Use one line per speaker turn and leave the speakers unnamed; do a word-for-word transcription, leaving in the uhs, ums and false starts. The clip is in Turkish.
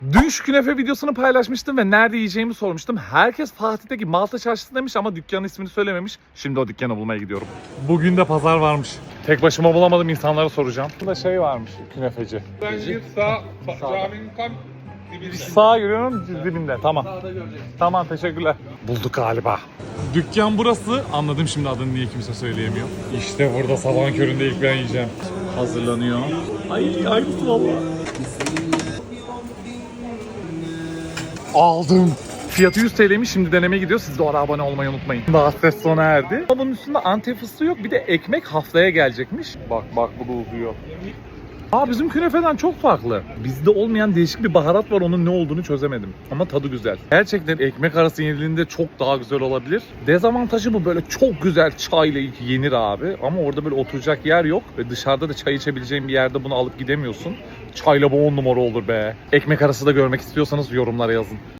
Dün şu künefe videosunu paylaşmıştım ve nerede yiyeceğimi sormuştum. Herkes Fatih'teki Malta Çarşısı demiş ama dükkanın ismini söylememiş. Şimdi o dükkanı bulmaya gidiyorum. Bugün de pazar varmış. Tek başıma bulamadım, insanlara soracağım. Burada şey varmış, künefeci.
Ben gir sağ, sağ caminin tam dibinde.
Sağa yürüyorum, dibinde. Tamam.
Sağda göreceksin.
Tamam, teşekkürler. Bulduk galiba. Dükkan burası. Anladım şimdi adını, niye kimse söyleyemiyor. İşte burada sabahın köründe ilk ben yiyeceğim. Hazırlanıyor. Ay aynısı valla. Aldım. Fiyatı yüz TL'ymiş, şimdi denemeye gidiyor. Siz de o ara abone olmayı unutmayın. Bahset sona erdi. Ama bunun üstünde Antep fıstığı yok. Bir de ekmek haftaya gelecekmiş. Bak bak, bu da uzuyor. Aa, bizim künefeden çok farklı. Bizde olmayan değişik bir baharat var, onun ne olduğunu çözemedim. Ama tadı güzel. Gerçekten ekmek arası yenildiğinde çok daha güzel olabilir. Dezavantajı bu, böyle çok güzel çayla yenir abi. Ama orada böyle oturacak yer yok. Ve dışarıda da çay içebileceğin bir yerde bunu alıp gidemiyorsun. Çayla bu on numara olur be. Ekmek arası da görmek istiyorsanız yorumlara yazın.